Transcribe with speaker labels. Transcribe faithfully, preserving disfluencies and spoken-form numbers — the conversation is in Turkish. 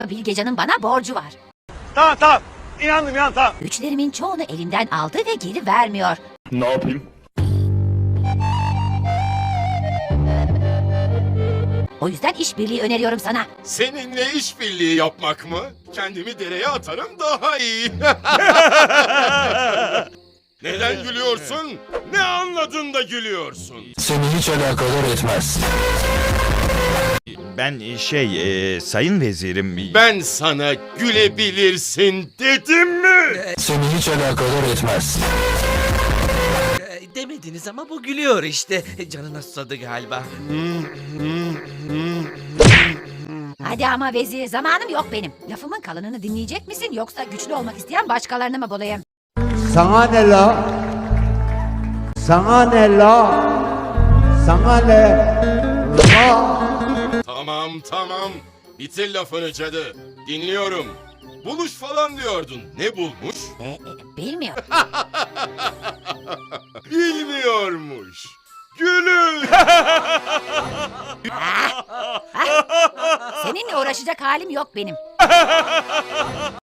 Speaker 1: Bilgecan'ın bana borcu var.
Speaker 2: Tamam tamam. İnandım ya tamam.
Speaker 1: Güçlerimin çoğunu elinden aldı ve geri vermiyor.
Speaker 3: Ne yapayım?
Speaker 1: O yüzden işbirliği öneriyorum sana.
Speaker 4: Seninle işbirliği yapmak mı? Kendimi dereye atarım daha iyi. Neden gülüyorsun? Ne anladın da gülüyorsun?
Speaker 3: Seni hiç alakadar etmez.
Speaker 5: Ben şey, e, sayın vezirim...
Speaker 4: Ben sana gülebilirsin dedim mi?
Speaker 3: Seni hiç alakadar etmez.
Speaker 6: Ee, Demediniz ama bu gülüyor işte. Canına susadı galiba.
Speaker 1: Hadi ama vezir, zamanım yok benim. Lafımın kalanını dinleyecek misin yoksa güçlü olmak isteyen başkalarını mı bulayım?
Speaker 7: Sana ne la? Sana ne la? Sana ne la?
Speaker 4: Tamam tamam. Bitir lafını cadı. Dinliyorum. Buluş falan diyordun. Ne bulmuş?
Speaker 1: E, e, bilmiyorum.
Speaker 4: Bilmiyormuş. Gülün.
Speaker 1: Seninle uğraşacak halim yok benim.